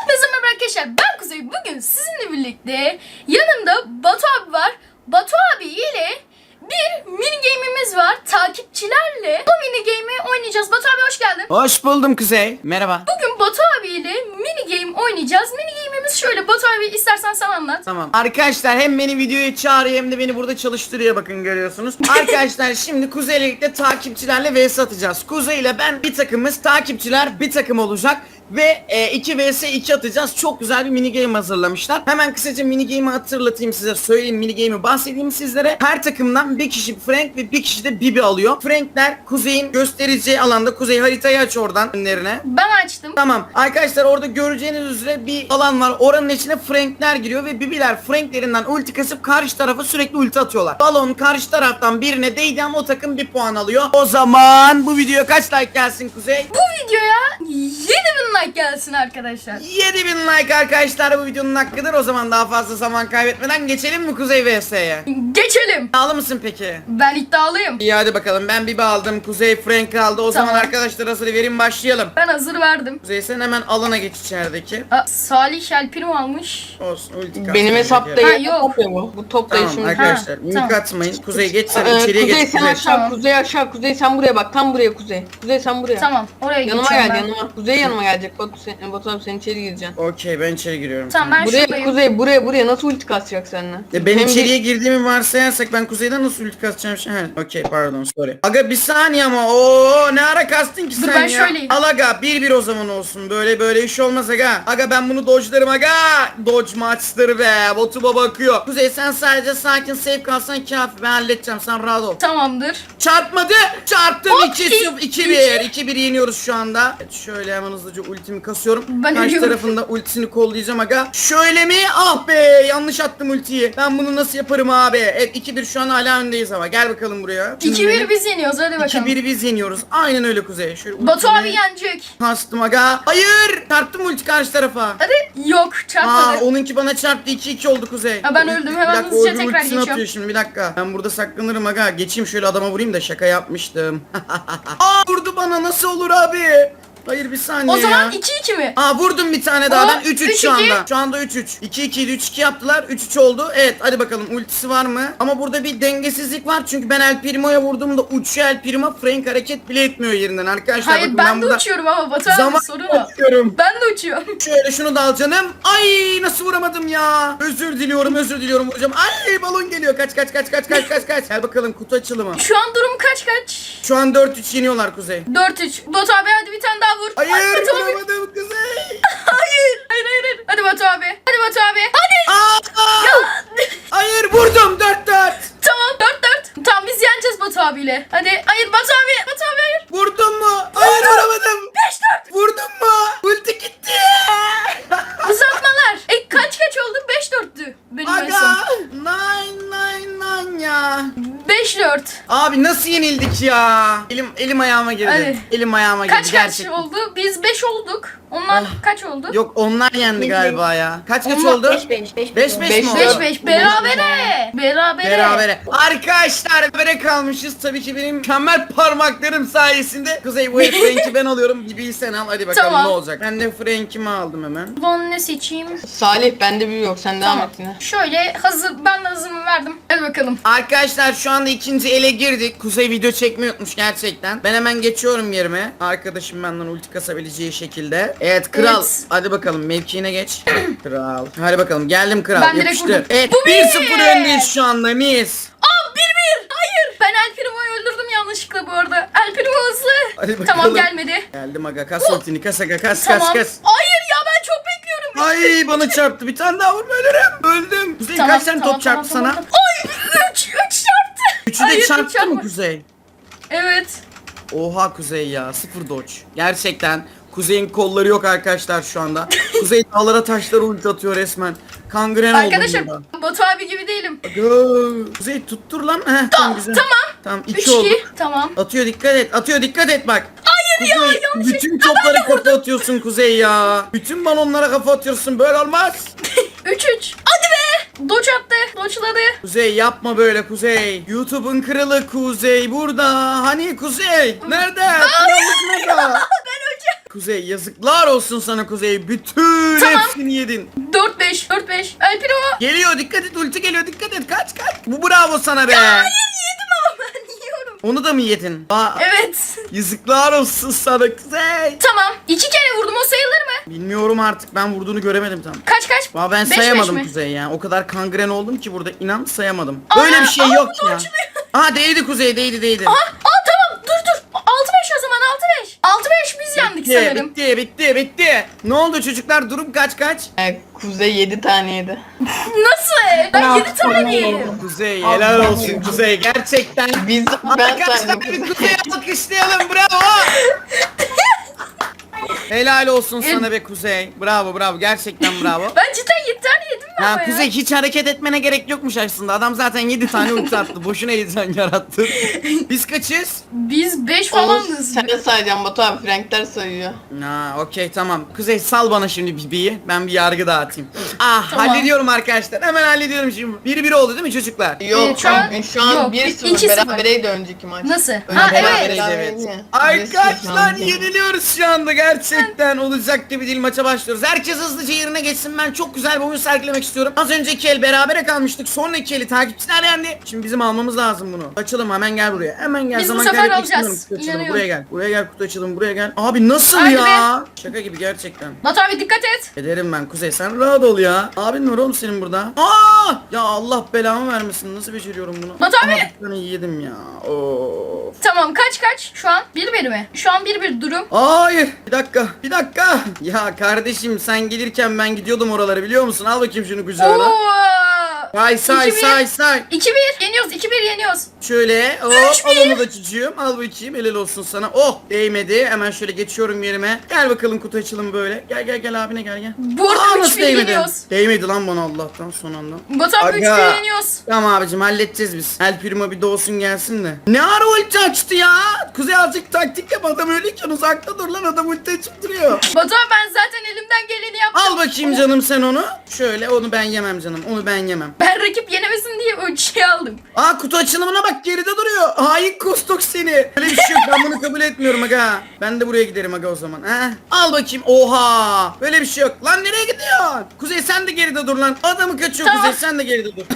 Hepinize merhaba arkadaşlar, ben Kuzey. Bugün sizinle birlikte yanımda Batu abi var. Batu abi ile bir mini game'imiz var. Takipçilerle bu mini game'i oynayacağız. Batu abi hoş geldin. Hoş buldum Kuzey. Merhaba. Bugün Batu abi ile mini game oynayacağız. Mini game'imiz şöyle. Batu abi istersen sen anlat. Tamam. Arkadaşlar hem beni videoya çağırıyor hem de beni burada çalıştırıyor, bakın görüyorsunuz. Arkadaşlar şimdi Kuzey ile birlikte takipçilerle vs atacağız. Kuzey ile ben bir takımız, takipçiler bir takım olacak. Ve 2 vs 2 atacağız. Çok güzel bir mini game hazırlamışlar. Hemen kısaca mini game'i hatırlatayım size. Söyleyeyim, mini game'i bahsedeyim sizlere. Her takımdan bir kişi Frank ve bir kişi de Bibi alıyor. Frankler Kuzey'in göstereceği alanda. Kuzey haritayı aç oradan önlerine. Ben açtım. Tamam arkadaşlar, orada göreceğiniz üzere bir alan var. Oranın içine Frankler giriyor ve Bibiler Franklerinden ulti kasıp karşı tarafa sürekli ulti atıyorlar. Balon karşı taraftan birine değdi ama o takım 1 puan alıyor. O zaman bu videoya kaç like gelsin Kuzey? Bu videoya 7000 like gelsin arkadaşlar. 7000 like arkadaşlar bu videonun hakkıdır. O zaman daha fazla zaman kaybetmeden geçelim mi Kuzey vs'ye? Geçelim. İddialı mısın peki? Ben iddialıyım. İyi hadi bakalım, ben Bibi aldım, Kuzey Frank aldı. O zaman Tamam. arkadaşlar hazır verin, başlayalım. Ben hazır verdim. Kuzey sen hemen alana geç içerideki. Salih Şelpin'i almış. Olsun, ulti Benim hesapta Ha, yok. yok. Top ya bu. Bu top da Tamam şimdi. arkadaşlar, Ha, mimik tamam. atmayın. Kuzey geç sen içeriye Kuzey geç. sen Kuzey. aşağı, Tamam. Kuzey aşağı, Kuzey sen buraya bak. Tam buraya Kuzey. Kuzey sen buraya. Tamam, oraya Yanıma geçeceğim gel ben. yanıma. Kuzey yanıma gelecek. Batu abi sen içeri gireceksin. Okey, ben içeri giriyorum. Tamam, ben Buraya şuradayım. Kuzey buraya nasıl ulti kasacak seninle? Ben Hem de- içeriye girdiğimi varsayarsak ben Kuzey'den nasıl ulti kasacağım şimdi? He, okey pardon, sorry. Aga bir saniye ama ooo ne ara kastın ki Dur, sen ben ya? şöyleyim. Al aga 1-1 o zaman olsun. Böyle iş olmaz aga. Aga ben bunu dodge'larım aga. Dodge maçları be. Botuba bakıyor. Kuzey sen sadece sakin safe kalsan kafi, ben halledeceğim, sen rahat ol. Tamamdır. Çarpmadı. Çarptım. Hop, 2-1. 2-1 yeniyoruz şu anda. Evet, şöyle hemen hızlıca ultimi kasıyorum. Ben Karşı ölüyorum. tarafında ultisini kollayacağım aga. Şöyle mi? Ah be, yanlış attım ultiyi. Ben bunu nasıl yaparım abi? Evet 2-1 şu an hala öndeyiz ama. Gel bakalım buraya. Şimdi 2-1 benim- biz yeniyoruz, hadi bakalım. 2-1 biz yeniyoruz. Aynen öyle Kuzey. Şöyle Batu ultimi abi yenecek. kastım aga. Hayır. Çarptım ulti karşı tarafa. Hadi. Yok, çarpmadı. Onunki bana çarptı, 2-2 oldu Kuzey. Ha, ben öldüm. Hemen Bir dakika, hızlıca öbür tekrar ultisini geçiyorum. atıyor şimdi, bir dakika. Ben burada saklanırım aga. Geçeyim şöyle, adama vurayım da, şaka yapmıştım. Aa, vurdu bana, nasıl olur abi? Hayır bir saniye O zaman ya. 2-2 mi? Aa, vurdum bir tane daha, O, ben 3-3 şu 3-2. anda. Şu anda 3-3. 2-2 idi, 3-2 yaptılar, 3-3 oldu. Evet hadi bakalım, ultisi var mı? Ama burada bir dengesizlik var çünkü ben El Primo'ya vurduğumda uçuyor El Primo. Frank hareket bile etmiyor yerinden arkadaşlar. Hayır, bakın, ben de burada uçuyorum ama Batu abi zaman sorun o. uçuyorum. Ben de uçuyorum. Şöyle şunu da al canım. Ay nasıl vuramadım ya. Özür diliyorum vuracağım. Ay balon geliyor. Kaç. Gel bakalım, kutu açılımı. Şu an durum kaç? Şu an 4-3 yeniyorlar Kuzey. 4-3. Batu abi hadi bir tane daha vur. Hayır Hadi Batu abi. vuramadım Kuzey. Hayır. Hadi Batu abi. Hadi Batu abi. Hadi. Aa! Hayır vurdum 4-4. Tamam 4-4. Tamam biz yeneceğiz Batu abiyle. Hadi. Hayır Batu abi. Batu abi hayır. Vurdum mu? Hayır vuramadım. 5-4. Vurdum mu? Ulti gitti. Uzatmalar. Kaç oldu? 5-4'tü. Benim en Aga. son. 9 ya. 5-4. Abi nasıl yenildik ya? Elim ayağıma girdi. Hadi. Elim ayağıma girdi Kaç gerçekten. oldu? Biz 5 olduk. Onlar kaç oldu? Yok onlar yendi galiba ya. Kaç Onlar oldu? 5 5 mi Beş, oldu? 5-5. Berabere. Berabere. Arkadaşlar berabere kalmışız. Tabii ki benim mükemmel parmaklarım sayesinde. Kuzey bu Frank'i ben alıyorum. Bibi'yi sen al. Hadi bakalım Tamam. ne olacak. Ben de Frank'imi aldım hemen. Ulan ne seçeyim? Salih bende bir yok. Sen devam Tamam. et yine. Şöyle hazır. Ben de hazırımı verdim. Hadi bakalım. Arkadaşlar şu anda ikinci ele girdik. Kuzey video çekmeyi unutmuş gerçekten. Ben hemen geçiyorum yerime. Arkadaşım benden ulti kasabileceği şekilde. Evet kral. Evet. Hadi bakalım mevkiine geç. Kral. Hadi bakalım geldim kral. Ben direkt Yapıştır. vurdum. Evet Bu 1-0 bir. öndeyiz şu anda, mis. Aa 1-1. Hayır. Ben El Primo'yu öldürdüm yanlışlıkla bu arada. El Primo hızlı. Hadi bakalım. Tamam gelmedi. Geldim aga, kas ultini, kas aga, kas Tamam. kas. Hayır ya ben çok bekliyorum. Ay bana çarptı, bir tane daha vurma, ölürüm. Öldüm. Kuzey kaç tane top çarptı sana? Ay 3 çarptı. Üçü Hayır, de üç çarptı çarpma. mı Kuzey? Evet. Oha Kuzey ya, 0 dodge. Gerçekten Kuzey'in kolları yok arkadaşlar şu anda. Kuzey dağlara taşlara ulti atıyor resmen. Kangren oldum Arkadaşlar burada. Batu abi gibi değilim. Aga, Kuzey tuttur lan. Heh, tamam güzel. Tamam 2 oldu. 3-2. Tamam. Atıyor, dikkat et bak. Hayır Kuzey, ya yanlış. bütün toplara kafa atıyorsun Kuzey ya. Bütün balonlara kafa atıyorsun, böyle olmaz. 3-3. Hadi be. Doç attı. Doçladı. Kuzey yapma böyle Kuzey. YouTube'un kralı Kuzey burada. Hani Kuzey? Nerede? Krallık nerede? Ben öleceğim. Kuzey yazıklar olsun sana Kuzey. Bütün Tamam. hepsini yedin. 4-5. El Primo. Geliyor dikkat et ulti geliyor dikkat et kaç. Bu bravo sana be. Hayır yedim ama ben yiyorum. Onu da mı yedin? Aa, Evet. yazıklar olsun sana Kuzey. Tamam. 2 kere vurdum, o sayılır mı? Bilmiyorum artık ben vurduğunu göremedim tam. Kaç? Aa, ben 5-5 sayamadım mi? Kuzey ya. O kadar kangren oldum ki burada inan sayamadım. Aa, Böyle bir şey aa, yok bu da ya. açılıyor. Aa değdi Kuzey değdi. Tamam dur. 6-5 o zaman 6-5. 6-5 biz yendik sanırım. Bitti. Ne oldu çocuklar durum kaç? Kuzey 7 tane yedi. Nasıl? Ben 7 tane yedim. Kuzey helal olsun Kuzey gerçekten. Ben Arkadaşlar saydım. bir Kuzey'e alkışlayalım bravo. Helal olsun sana be Kuzey. Bravo gerçekten bravo. Ben cidden 7 tane yedim mi ama Ya ya? Kuzey hiç hareket etmene gerek yokmuş aslında. Adam zaten 7 tane ulti attı. Boşuna 7 tane yarattı. Biz kaçız? Biz 5 Onu falanız. sen sayacaksın Batu abi. Frankler sayıyor. Ha, okey tamam. Kuzey sal bana şimdi Bibi'yi. Ben bir yargı dağıtayım. Ah Tamam. hallediyorum arkadaşlar. Hemen hallediyorum şimdi. 1-1 oldu değil mi çocuklar? Yok şu an- yok, 1-0 2-0. berabereydi önceki maç. Nasıl? Öyle Ha, evet. Beraberiz, berabereydi evet. ya. Arkadaşlar 1-0 yeniliyoruz şu anda gerçekten olacak gibi değil maça başlıyoruz. Herkes hızlıca yerine geçsin, ben çok güzel bir oyun sergilemek istiyorum. Az önceki el berabere kalmıştık, sonraki eli takipçiler yendi. Şimdi bizim almamız lazım bunu. Açalım hemen gel buraya. Hemen gel Biz bu zaman sefer kaybetmek alacağız. istemiyorum. Kutu açalım. İnanıyorum. Buraya gel. Buraya gel kutu açalım buraya gel. Abi nasıl Hadi ya? Şaka gibi gerçekten. Batu abi dikkat et. Ederim ben Kuzey sen rahat ol ya. Abin var oğlum senin burada. Aa! Ya Allah belamı vermesin. Nasıl beceriyorum bunu? Batu abi. Aha, bir tane yedim ya. Of. Tamam kaç? Şu an 1-1 mi? Şu an 1-1 durum. Hayır. Bir dakika. Ya kardeşim sen gelirken ben gidiyordum oraları biliyor musun? Al bakayım şunu kucağına. Oo! Say 2-1. say. 2-1 yeniyoruz. 2-1 yeniyoruz. Şöyle hop al onu da çocuğum. Al bakayım helal olsun sana. Oh değmedi. Hemen şöyle geçiyorum yerime. Gel bakalım kutu açalım böyle. Gel abine gel. Bu arada Aa, nasıl 3-1 değmedi? yeniyoruz. Değmedi lan bana Allah'tan son anda. Batu abi Aga. 3-1 yeniyoruz. Tamam abicim halledeceğiz biz. El Primo bir doğsun gelsin de. Ne ara ulti açtı ya? Kuzey azıcık taktik yap, adam öyleyken uzakta dur lan, adam ulti açıp duruyor. Batu abi ben zaten elimden geleni yaptım. Al bakayım canım sen onu. Şöyle onu ben yemem canım. Onu ben yemem. Ben rakip yenemesin diye ölçüye aldım. Aa kutu açılımına bak geride duruyor. Hain kustuk seni. Öyle bir şey yok, ben bunu kabul etmiyorum aga. Ben de buraya giderim aga o zaman. He? Al bakayım. Oha. Böyle bir şey yok. Lan nereye gidiyorsun? Kuzey sen de geride dur lan. Adamı kaçıyor Tamam. Kuzey sen de geride dur.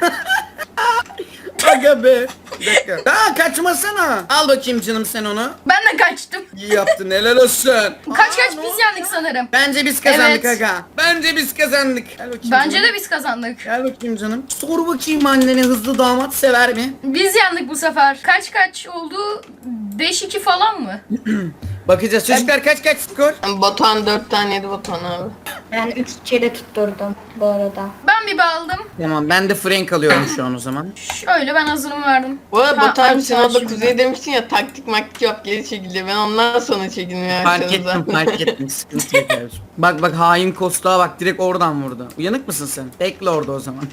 Aga be. Bir dakika. Aa kaçmasana. Al bakayım canım sen onu. Ben de kaçtım. İyi yaptın helal olsun. Kaç Aa, ne biz oldu? yendik sanırım. Bence biz kazandık Evet. aga. Bence biz kazandık. Gel bakayım Bence canım. de biz kazandık. Gel bakayım canım. Sor bakayım annene hızlı damat sever mi? Biz yendik bu sefer. Kaç oldu? 5-2 falan mı? Bakacağız. Çocuklar kaç skor? Batuhan 4 tane yedi Batuhan abi. Ben 3 kere tutturdum bu arada. Ben bir aldım. Tamam ben de Frank alıyorum şu an o zaman. Şöyle ben hazırımı verdim. Bu arada Ha, Batu abi aynı sen orada şimdi. Kuzey demiştin ya taktik maktik yap geri çekildi. Ben ondan sonra çekilmeye Fark ettim sıkıntı yok abiciğim. Bak hain kostuğa bak direkt oradan vurdu. Uyanık mısın sen? Bekle orada o zaman.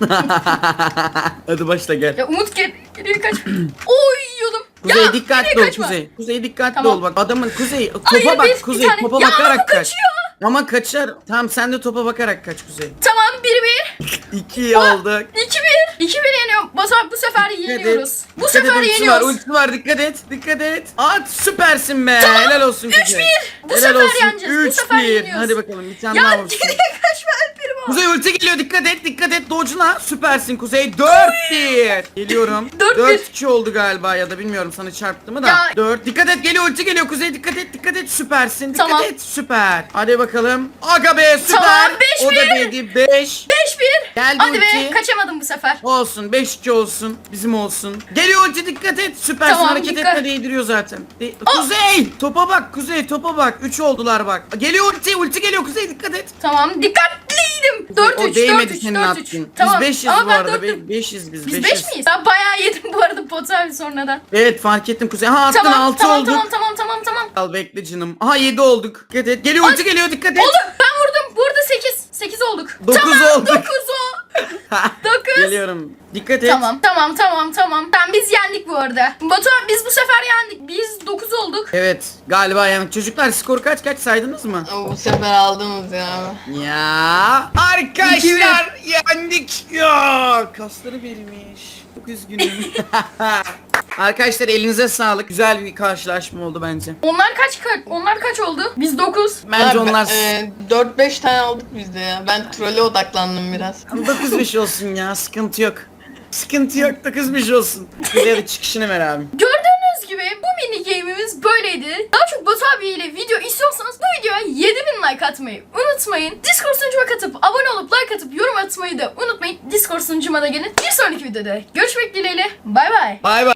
Hadi başla gel. Ya Umut geri kaç. Oy yiyordum. Kuzey Ya, dikkatli nereye ol kaçma? Kuzey. Kuzey dikkatli Tamam. ol bak adamın Kuzey topa Hayır, bak bir Kuzey tane- topa Ya, bakarak bu kaç. kaçıyor. Ama kaçar. Tamam sen de topa bakarak kaç Kuzey. Tamam 1-1. 2 oldu. 2-1 yeniyorum. Bu sefer yeniyoruz. Bu Dikkat et, sefer ultisi yeniyoruz. Var, ultisi var dikkat et. At süpersin be. Helal olsun Kuzey. 3-1. Bu sefer yeneceğiz, bu sefer 3-1. yeniyoruz. Hadi bakalım bir tane Ya daha vursun. geriye kaçma Alperim o. Kuzey ulti geliyor dikkat et dodge'la süpersin Kuzey 4-1 geliyorum 4-1. 4-2 oldu galiba ya da bilmiyorum sana çarptı mı da Ya. 4 dikkat et geliyor ulti geliyor Kuzey dikkat et süpersin dikkat Tamam. et süper hadi bakalım aga be süper Tamam, o 5-1. da değdi 5 5-1. geldi Hadi be ulti kaçamadım bu sefer. olsun 5-2 olsun bizim olsun geliyor ulti dikkat et süpersin Tamam, hareket dikkat. etme değdiriyor zaten Kuzey topa bak Kuzey topa bak 3 oldular bak geliyor ulti geliyor Kuzey dikkat et Tamam dikkatliydim. O 4-3 değmedi 4-3 senin 4-3. attığın. Tamam. Biz 5'iz Ama bu ben arada. 4'üm. 5'iz biz. Biz 5'iz. 5 miyiz? Ben bayağı yedim bu arada Batu abi sonradan. Evet fark ettim Kuzey. Ha attın Tamam 6 tamam, olduk. tamam. Al bekle canım. Aha 7 olduk. Dikkat et. Geliyor ulti geliyor dikkat et. Oldu. Ben vurdum. Burada 8. 8 olduk. 9 tamam, olduk. 9 o. 9. Geliyorum. Dikkat et. Tamam. Tamam biz yendik bu arada. Batu abi biz bu sefer yendik. Biz 9 olduk. Evet galiba yani çocuklar skor kaç saydınız mı? Ama bu sefer aldınız ya. Ya arkadaşlar yendik. Ya kasları verilmiş. Çok üzgünüm. Arkadaşlar elinize sağlık. Güzel bir karşılaşma oldu bence. Onlar kaç oldu? Biz 9. Bence onlar 4-5 tane aldık biz de ya. Ben trolle odaklandım biraz. 9-5 olsun ya. Sıkıntı yok. Sıkıntı yok. 9-5 olsun. Hadi çıkışını ver abi. Gördüğünüz gibi bu mini game'imiz böyleydi. Daha çok Batu abi ile video istiyorsanız bu videoya 7000 like atmayı unutmayın. Discord sunucuma katıp abone olup like atıp yorum atmayı da unutmayın. Discord sunucuma da gelin. Bir sonraki videoda görüşmek dileğiyle. Bay bay. Bay bay.